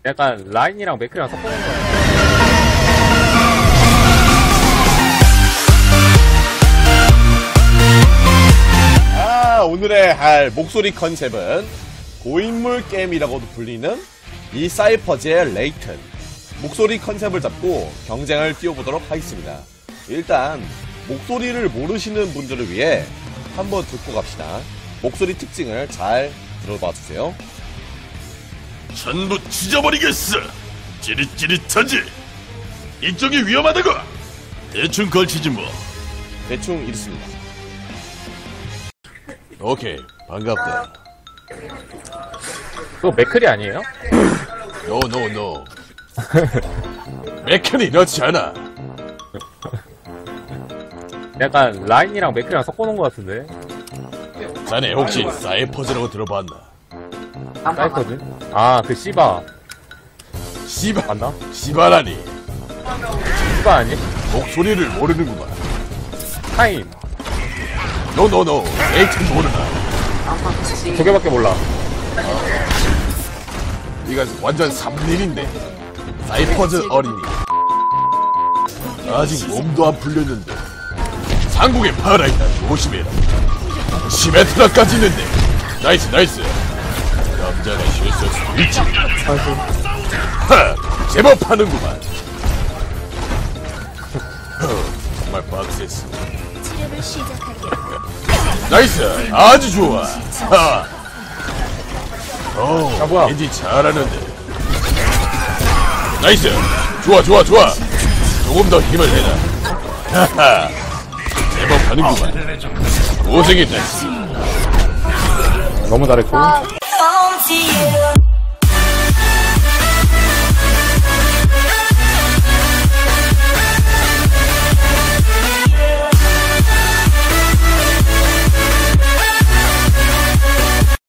약간 라인이랑 맥크랑 섞어놓은 거 같아. 오늘의 할 목소리 컨셉은 고인물 게임이라고도 불리는 이 사이퍼즈의 레이튼 목소리 컨셉을 잡고 경쟁을 띄워보도록 하겠습니다. 일단 목소리를 모르시는 분들을 위해 한번 듣고 갑시다. 목소리 특징을 잘 들어봐주세요. 전부 찢어버리겠어. 찌릿찌릿하지. 이쪽이 위험하다고. 대충 걸치지 뭐. 대충 이렇습니다. 오케이, 반갑다. 그거 맥클이 아니에요? 노. 맥클이 이렇지 않아. 약간 라인이랑 맥크랑 섞어놓은 거 같은데. 자네 혹시 사이퍼즈라고 들어봤나? 사이퍼즈? 아, 그 씨바. 씨바 맞나? 씨바라니. 씨바 아니? 목소리를 모르는구만. 타임. 노. 레이튼 모르나? 두 개밖에 몰라. 이건 완전 3일인데. 사이퍼즈 어린이. 아직 몸도 안 풀렸는데. 상국의 파라이다. 조심해라. 시메트라까지 있는데. 나이스. 남자가 실수할 수도 있지. 하! 제법 하는구만. 정말 빡셌어. 나이스! 아주 좋아! 하! 야, 뭐야? 왠지 잘하는데. 나이스! 좋아! 조금 더 힘을 내라. 하하! 제법 하는구만. 고생했다. 너무 잘했고.